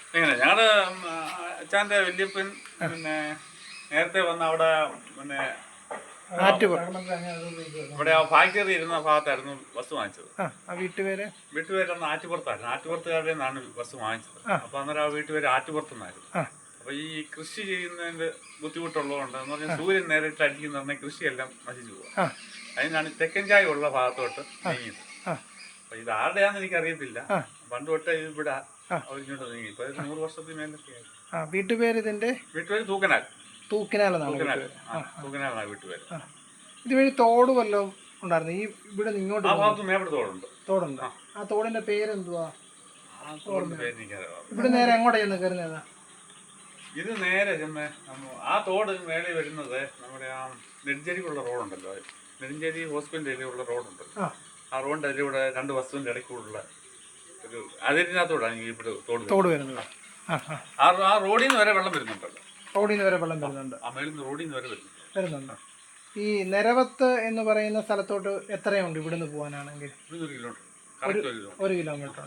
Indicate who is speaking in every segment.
Speaker 1: എങ്ങനെ ഞങ്ങള് അച്ഛൻ്റെ വല്യപ്പൻ പിന്നെ നേരത്തെ വന്ന് അവിടെ പിന്നെ ഇവിടെ ആ ഫാക്ടറി ഇരുന്ന ഭാഗത്തായിരുന്നു ബസ് വാങ്ങിച്ചത്. വീട്ടുപേരന്ന് ആറ്റുപുറത്തായിരുന്നു. ആറ്റുപുറത്തുകാരുടെ നിന്നാണ് ബസ് വാങ്ങിച്ചത്. അപ്പൊ അന്നേരം ആ വീട്ടുപേര് ആറ്റുപുറത്തുനിന്നായിരുന്നു. അപ്പൊ ഈ കൃഷി ചെയ്യുന്നതിന്റെ ബുദ്ധിമുട്ടുള്ളതുകൊണ്ട് എന്ന് പറഞ്ഞാൽ സൂര്യൻ നേരിട്ട് അടിക്കുന്ന കൃഷിയെല്ലാം നശിച്ചു പോകും. അതിനാണ് തെക്കൻ ചായ ഉള്ള ഭാഗത്തോട്ട് നീങ്ങിയത്. അപ്പൊ ഇത് ആരുടെയാന്ന് എനിക്കറിയത്തില്ല. പണ്ട് തൊട്ടേ ഇവിടെ അവരിങ്ങോട്ട് നീങ്ങി. ഇപ്പൊ 100 വർഷത്തിന് മേലൊക്കെയായി. വീട്ടുപേര് തൂക്കനാലാണ് വീട്ടുപേര്.
Speaker 2: ഇതുവഴി തോട് വല്ലതും ഉണ്ടായിരുന്നു ഈ ഇവിടെ ഇങ്ങോട്ട്?
Speaker 1: ആ ഭാഗത്ത് മേവിടെ
Speaker 2: തോടുണ്ട്. ആ തോടിന്റെ പേരെന്തുവാ? ഇവിടെ നേരെ എങ്ങോട്ടാ ചെന്ന് കയറുന്നതാ?
Speaker 1: ഇത് നേരെ ആ തോട് മേളിൽ വരുന്നത് നമ്മുടെ ആ നെടുഞ്ചേരിക്കുള്ള റോഡുണ്ടല്ലോ, നെടുഞ്ചേരി ഹോസ്പിറ്റലിലുള്ള റോഡുണ്ടല്ലോ, ആ റോഡിന്റെ അതിലൂടെ 2 ബസ്സിന്റെ ഇടയ്ക്കുള്ള ഒരു അതിരിനകത്തോടാണ് ഇവിടെ തോട്
Speaker 2: വരുന്നത്.
Speaker 1: ആ റോഡിൽ നിന്ന് വരെ വെള്ളം വരുന്നുണ്ടല്ലോ.
Speaker 2: ആ മേളിൽ നിന്ന് റോഡിൽ നിന്ന് വരെ വരുന്നുണ്ട്. ഈ നിരവത്ത് എന്ന് പറയുന്ന സ്ഥലത്തോട്ട് എത്രയുണ്ട് ഇവിടുന്ന് പോകാനാണെങ്കിൽ? 1 കിലോമീറ്റർ.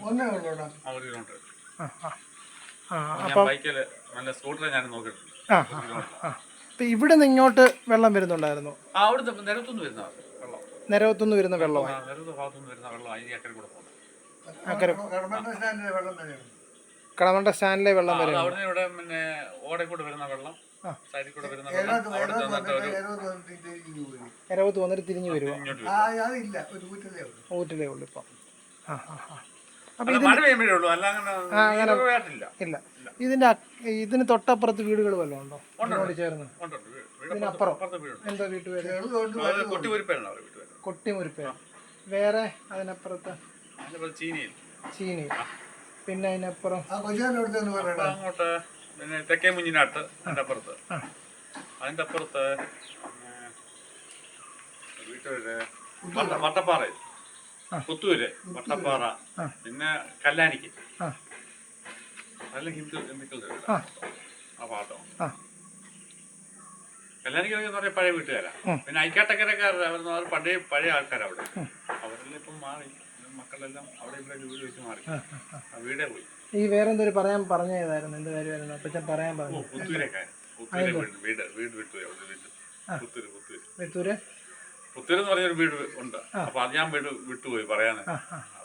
Speaker 2: അപ്പൊ ഇവിടെ നിന്ന് ഇങ്ങോട്ട് വെള്ളം വരുന്നുണ്ടായിരുന്നു? നിരവത്തുനിന്ന് വരുന്ന വെള്ളം കടമണ്ട സ്റ്റാൻഡിലെ വെള്ളം വരെ എരവത്ത് വന്നിട്ട് തിരിഞ്ഞു വരുമോ? ഊറ്റിലേ ഉള്ളു ഇപ്പം. ഇല്ല. ഇതിന് തൊട്ടപ്പുറത്ത് വീടുകൾ വല്ലതും ഉണ്ടോ ചേർന്ന്? ഇതിനപ്പുറം എന്താ വീട്ടുപേര്? കൊട്ടിമുരിപ്പേര്. വേറെ അതിനപ്പുറത്ത് ചീനി. പിന്നെ അതിനപ്പുറം
Speaker 1: അങ്ങോട്ട് പിന്നെ തെക്കേ മുഞ്ഞിനാട്ട് അതിന്റെ അപ്പുറത്ത് വീട്ടുപേര് വട്ടപ്പാറ, പുത്തൂര്, വട്ടപ്പാറ, പിന്നെ കല്ലാനിക്ക്. അതെല്ലാം ഹിന്ദുക്കളുടെ ആ ഭാഗത്തോ. കല്ലാനിക്കൊക്കെ പറയാം പഴയ വീട്ടുകാരാ. പിന്നെ ഐക്കാട്ടക്കരക്കാർ അവർ പഴയ ആൾക്കാരാ അവിടെ. അവരെല്ലാം ഇപ്പം മാറി. മക്കളെല്ലാം അവിടെ ഇവിടെ വീട് വെച്ച് മാറി. ആ വീടേ പോയി.
Speaker 2: ഈ വേറെന്തൊരു പറഞ്ഞതായിരുന്നു? എന്ത് കാര്യമായിരുന്നു അപ്പച്ചൻ പറയാൻ പറഞ്ഞു?
Speaker 1: വീട് പുത്തൂര് എന്ന് പറഞ്ഞൊരു വീട് ഉണ്ട്. അപ്പൊ അത് ഞാൻ വിട്ടുപോയി പറയാന്.